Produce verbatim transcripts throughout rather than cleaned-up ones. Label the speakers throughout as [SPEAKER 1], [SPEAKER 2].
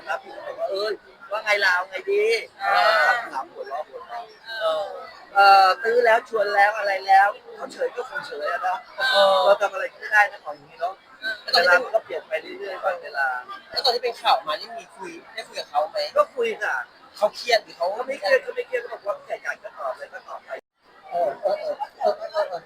[SPEAKER 1] นะครับพี่ก็บอกว่าเอ้ยว่าไงลาวไงดีถามถามหัวเราะหัวเราะเออเอ่อตื้อแล้วชวนแล้วอะไรแล้วเขาเฉยก็คงเฉยอะเนาะเราทำอะไรไม่ได้นะของอย่างนี้เนาะเวลามันก็เปลี่ยนไปเรื่อยๆวันเวลา
[SPEAKER 2] แล้วตอนที่เป็นข่าวมานี่มีคุยได้คุยกับเขาไหม
[SPEAKER 1] ก็คุยค่ะ
[SPEAKER 2] เขาเครียดหรือเขา
[SPEAKER 1] ก็ไม่เครียดก็ไม่เครียดก็บอกว่าแค่อยากจะตอบเลยก็ตอบไปเออเออเออเออเออเออ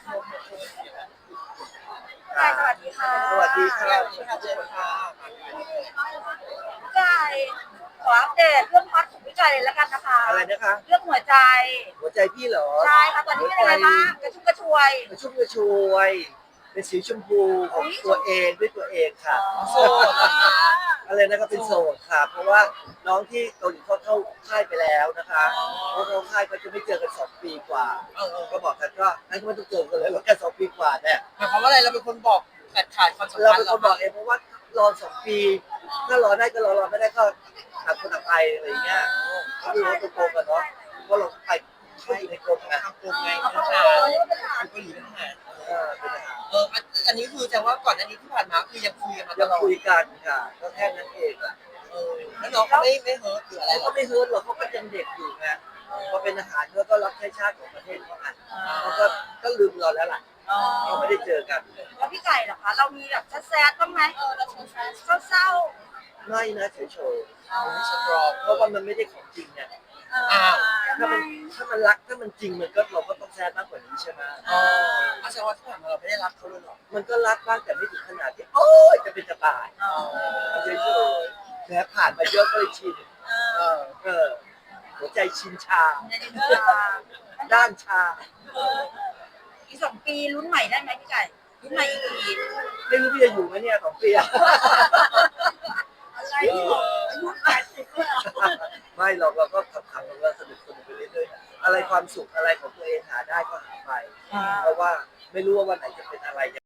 [SPEAKER 3] ไก่สวัสดีค่ะ
[SPEAKER 1] สวัสดีค่ะ
[SPEAKER 2] สวัสดีค่ะเจนค่ะ
[SPEAKER 3] พี่ไก่ขออัปเดตเรื่องฮอตของพี่ไก่เลยแล้วกันนะคะ
[SPEAKER 1] อะไรนะคะ
[SPEAKER 3] เรื่องหัวใจ
[SPEAKER 1] หัวใจพี่เหรอ
[SPEAKER 3] ใช่ค่ะตอนนี้เป็นยังไงบ้างกระชุ่มกระชวย
[SPEAKER 1] กระชุ่มกระชวยเป็นสีชมพูของตัวเองด้วยตัวเองค่ะ
[SPEAKER 2] โสด
[SPEAKER 1] อะไรนะครับเป็นโสดค่ะเพราะว่าน้องที่เกาหลีเขาเข้าค่ายไปแล้วนะคะเพราะเขาค่ายก็จะไม่เจอกันสองปีกว่า
[SPEAKER 2] เออเออ
[SPEAKER 1] ก็บอกกันก็งั้นก็ไม่ต้องเจอกันเลยแล้วแค่สองปีกว่าเนี่ย
[SPEAKER 2] หมายความว่าอะไรเราเป็นคนบอกขาดขาดความสัม
[SPEAKER 1] เรา
[SPEAKER 2] พัน
[SPEAKER 1] เป็น
[SPEAKER 2] ธ์
[SPEAKER 1] คนบอกเองเพราะว่ารอสองปีถ้ารอได้ก็รอรอไม่ได้ก็ต่างคนต่างไปอะไรอย่างเงี้ยก็ดูว่าตัวโกงกันเนาะเพราะเราไปไม่อยู่ในกรมไง
[SPEAKER 2] ทำกลุ่มไงเป็นทหารเป็นเกาหลีเป็นทหาร
[SPEAKER 1] เออเป็นทหาร
[SPEAKER 2] เอออันอันนี้คือจะว่าก่อนอันนี้ที่ผ่านมาคือยังคุยกันมาต
[SPEAKER 1] ยัง
[SPEAKER 2] ลอด
[SPEAKER 1] คุยกันค่ะก็แค่นั้นเองอะ
[SPEAKER 2] เออแล้วน้องเขาไม่ไม่เฮิร์ตหรืออะไร
[SPEAKER 1] เขา
[SPEAKER 2] หร
[SPEAKER 1] ก็
[SPEAKER 2] อ
[SPEAKER 1] ไม่เฮิร์ตหรอกเขาก็ยังเด็กอยู่ไงพอเป็นทหารเขาก็รับใช้ชาติของประเทศเขาอ่ะเขาก็ก็ลืมเราแล้วล่ะเขาไม่ได้เจอกัน
[SPEAKER 3] แล้วพี่ไก่เหรอคะเรามีแบบแซดๆบ้างไหมเออเราเศร้า
[SPEAKER 1] ไม่นะเฉย
[SPEAKER 2] ไม่สตรอง
[SPEAKER 1] ๆเพราะว่ามันไม่ได้ของจริงเนี่ย
[SPEAKER 3] ๆเออ
[SPEAKER 1] ถ้ามันถ้ามันรักถ้ามันจริงมันก็เราก็ต้องแซดมากกว่านี้ใช่ไหม
[SPEAKER 2] อ๋ออาจารย์ว่าที่ผ่านมาเราไม่ได้รักเขาเลยหรอ
[SPEAKER 1] มันก็รักบ้างแต่ไม่ถึงขนาดที่โอ๊ยจะเป็นจะตาย
[SPEAKER 3] อ๋อ
[SPEAKER 1] เฉยๆแม้ผ่านมาเยอะก็เลยชิน
[SPEAKER 3] เออ
[SPEAKER 1] เออหัวใจชินชา
[SPEAKER 3] ในดินทรา
[SPEAKER 1] ด้านชา
[SPEAKER 3] อีกสองปีลุ้นใหม่ได้ไหมพี่ไก่ลุ้นใหม่อีกที
[SPEAKER 1] ไม่รู้พี่จะอยู่ไหมเนี่ยของเปีย
[SPEAKER 3] อะไรอายุแปดสิบแล้ว
[SPEAKER 1] ไม่หรอกเราก็ขำๆเราก็สนุกสนุกไปเรื่อยๆอะไรความสุขอะไรของตัวเองหาได้ก็หาไป เพราะว่าไม่รู้ว่าวันไหนจะเป็นอะไร